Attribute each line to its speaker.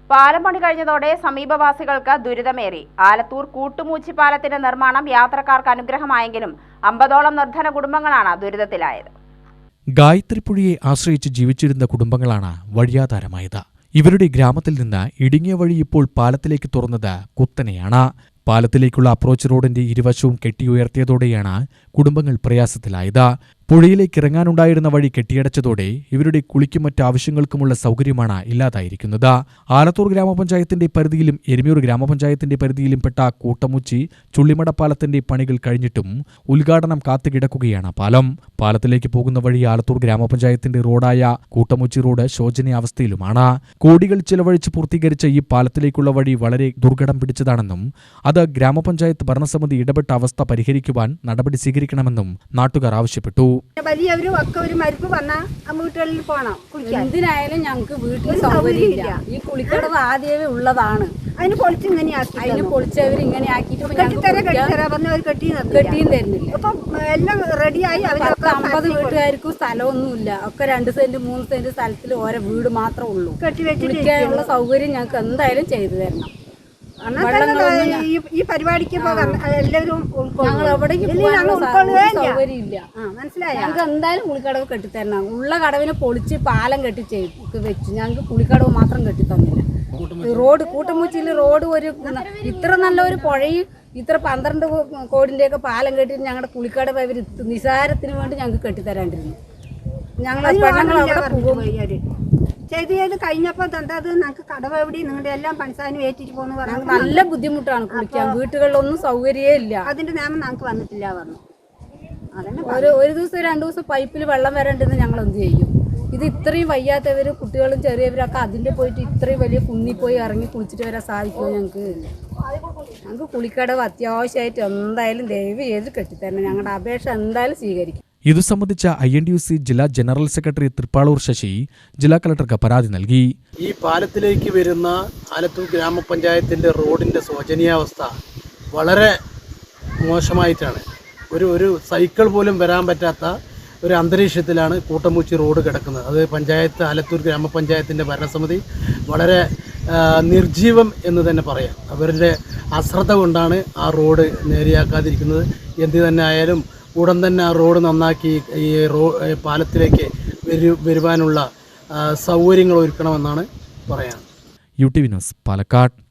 Speaker 1: പാലം പണി കഴിഞ്ഞതോടെ സമീപവാസികൾക്ക് ദുരിതമേറി. ആലത്തൂർ കൂട്ടുമൂച്ചി പാലത്തിന്റെ നിർമ്മാണം യാത്രക്കാർക്ക് അനുഗ്രഹമായെങ്കിലും 50ഓളം നിർധന കുടുംബങ്ങളാണ് ദുരിതത്തിലായത്.
Speaker 2: ഗായത്രിപ്പുഴയെ ആശ്രയിച്ച് ജീവിച്ചിരുന്ന കുടുംബങ്ങളാണ് വഴിയാധാരമായത്. ഇവരുടെ ഗ്രാമത്തിൽ നിന്ന് ഇടുങ്ങിയ വഴി ഇപ്പോൾ പാലത്തിലേക്ക് തുറന്നത് കുത്തനെയാണ്. പാലത്തിലേക്കുള്ള അപ്രോച്ച് റോഡിന്റെ ഇരുവശവും കെട്ടിയുയർത്തിയതോടെയാണ് കുടുംബങ്ങൾ പ്രയാസത്തിലായത്. പുഴയിലേക്ക് ഇറങ്ങാനുണ്ടായിരുന്ന വഴി കെട്ടിയടച്ചതോടെ ഇവരുടെ കുളിക്കും മറ്റാവശ്യങ്ങൾക്കുമുള്ള സൗകര്യമാണ് ഇല്ലാതായിരിക്കുന്നത്. ആലത്തൂർ ഗ്രാമപഞ്ചായത്തിന്റെ പരിധിയിലും എരുമയൂർ ഗ്രാമപഞ്ചായത്തിന്റെ പരിധിയിലും പെട്ട കൂട്ടമുച്ചി ചുള്ളിമട പാലത്തിന്റെ പണികൾ കഴിഞ്ഞിട്ടും ഉദ്ഘാടനം കാത്തുകിടക്കുകയാണ് പാലം. പാലത്തിലേക്ക് പോകുന്ന വഴി ആലത്തൂർ ഗ്രാമപഞ്ചായത്തിന്റെ റോഡായ കൂട്ടമുച്ചി റോഡ് ശോചനീയാവസ്ഥയിലുമാണ്. കോടികൾ ചിലവഴിച്ച് പൂർത്തീകരിച്ച ഈ പാലത്തിലേക്കുള്ള വഴി വളരെ ദുർഘടം പിടിച്ചതാണെന്നും അത് ഗ്രാമപഞ്ചായത്ത് ഭരണസമിതി ഇടപെട്ട അവസ്ഥ പരിഹരിക്കുവാൻ നടപടി സ്വീകരിക്കണമെന്നും നാട്ടുകാർ ആവശ്യപ്പെട്ടു.
Speaker 3: വലിയവരും ഒക്കെ ഒരു മരിപ്പ് വന്നാൽ വീട്ടുകളിൽ പോകണം.
Speaker 4: എന്തിനായാലും ഞങ്ങൾക്ക് വീട്ടിൽ സൗകര്യമില്ല. ഈ കുളിക്കടവ് ആദ്യമേ ഉള്ളതാണ്.
Speaker 3: അതിന് പൊളിച്ച് ഇങ്ങനെയാക്കി,
Speaker 4: അതിന് പൊളിച്ചവർ ഇങ്ങനെ ആക്കിയിട്ട്
Speaker 3: കെട്ടിയും തരുന്നില്ല. അപ്പം എല്ലാം റെഡിയായി.
Speaker 4: 50 വീട്ടുകാർക്കും സ്ഥലമൊന്നുമില്ല. ഒക്കെ 2 സെന്റ് 3 സെന്റ് സ്ഥലത്തിൽ ഓരോ വീട് മാത്രമേ ഉള്ളൂ. കുളിക്കാനുള്ള സൗകര്യം ഞങ്ങൾക്ക് എന്തായാലും ചെയ്തു തരണം.
Speaker 3: ഈ പരിപാടിക്ക് എല്ലാവരും
Speaker 4: സൗകര്യമില്ല. മനസ്സിലായി. ഞങ്ങൾക്ക് എന്തായാലും കുളിക്കടവ് കെട്ടിത്തരണം. ഉള്ള കടവിനെ പൊളിച്ച് പാലം വെച്ച് ഞങ്ങൾക്ക് കുളിക്കടവ് മാത്രം കെട്ടിത്തന്നില്ല. റോഡ് കൂട്ടമുച്ചിയിൽ റോഡ് ഒരു ഇത്ര നല്ലൊരു പുഴയും ഇത്ര 12 കോടിൻ്റെയൊക്കെ പാലം കെട്ടിട്ട് ഞങ്ങളുടെ കുളിക്കടവ് അവർ നിസാരത്തിന് വേണ്ടി ഞങ്ങൾക്ക് കെട്ടിത്തരാണ്ടിരുന്നു. ഞങ്ങൾ
Speaker 3: ചെയ്ത് കഴിഞ്ഞപ്പോൾ അത് ഞങ്ങൾക്ക് കടവ് എവിടെ നിങ്ങളുടെ എല്ലാം പണിസാനും ഏറ്റിട്ട് പോകുന്നു പറഞ്ഞു.
Speaker 4: നല്ല ബുദ്ധിമുട്ടാണ് കുളിക്കാൻ. വീട്ടുകളിലൊന്നും സൗകര്യമേ ഇല്ല.
Speaker 3: അതിന്റെ നിയമം ഞങ്ങൾക്ക് വന്നിട്ടില്ല പറഞ്ഞു.
Speaker 4: ഒരു ദിവസം 2 ദിവസം പൈപ്പിൽ വെള്ളം വരണ്ടെന്ന് ഞങ്ങൾ എന്ത് ചെയ്യും? ഇത് ഇത്രയും വയ്യാത്തവർ കുട്ടികളും ചെറിയവരൊക്കെ അതിൻ്റെ പോയിട്ട് ഇത്രയും വലിയ കുന്നിൽ പോയി ഇറങ്ങി കുളിച്ചിട്ട് വരാൻ സാധിക്കുമോ? ഞങ്ങൾക്ക് കുളിക്കടവ് അത്യാവശ്യമായിട്ട് എന്തായാലും ദയവ് ചെയ്ത് കെട്ടിത്തരണം. ഞങ്ങളുടെ അപേക്ഷ എന്തായാലും സ്വീകരിക്കും.
Speaker 2: ഇതു സംബന്ധിച്ച INTUC ജില്ലാ ജനറൽ സെക്രട്ടറി തൃപ്പാളൂർ ശശി ജില്ലാ കളക്ടർക്ക് പരാതി നൽകി.
Speaker 5: ഈ പാലത്തിലേക്ക് വരുന്ന ആലത്തൂർ ഗ്രാമപഞ്ചായത്തിൻ്റെ റോഡിൻ്റെ ശോചനീയാവസ്ഥ വളരെ മോശമായിട്ടാണ്. ഒരു സൈക്കിൾ പോലും വരാൻ പറ്റാത്ത ഒരു അന്തരീക്ഷത്തിലാണ് കൂട്ടമുച്ചി റോഡ് കിടക്കുന്നത്. അത് ആലത്തൂർ ഗ്രാമപഞ്ചായത്തിൻ്റെ ഭരണസമിതി വളരെ നിർജീവം എന്ന് തന്നെ പറയാം. അവരുടെ അശ്രദ്ധ കൊണ്ടാണ് ആ റോഡ് നേരെയാക്കാതിരിക്കുന്നത്. എന്ത് തന്നെ ആയാലും ഉടൻ തന്നെ ആ റോഡ് നന്നാക്കി ഈ പാലത്തിലേക്ക് വരുവാനുള്ള സൗകര്യങ്ങൾ ഒരുക്കണമെന്നാണ് പറയാൻ.
Speaker 2: UTV news Palakkad.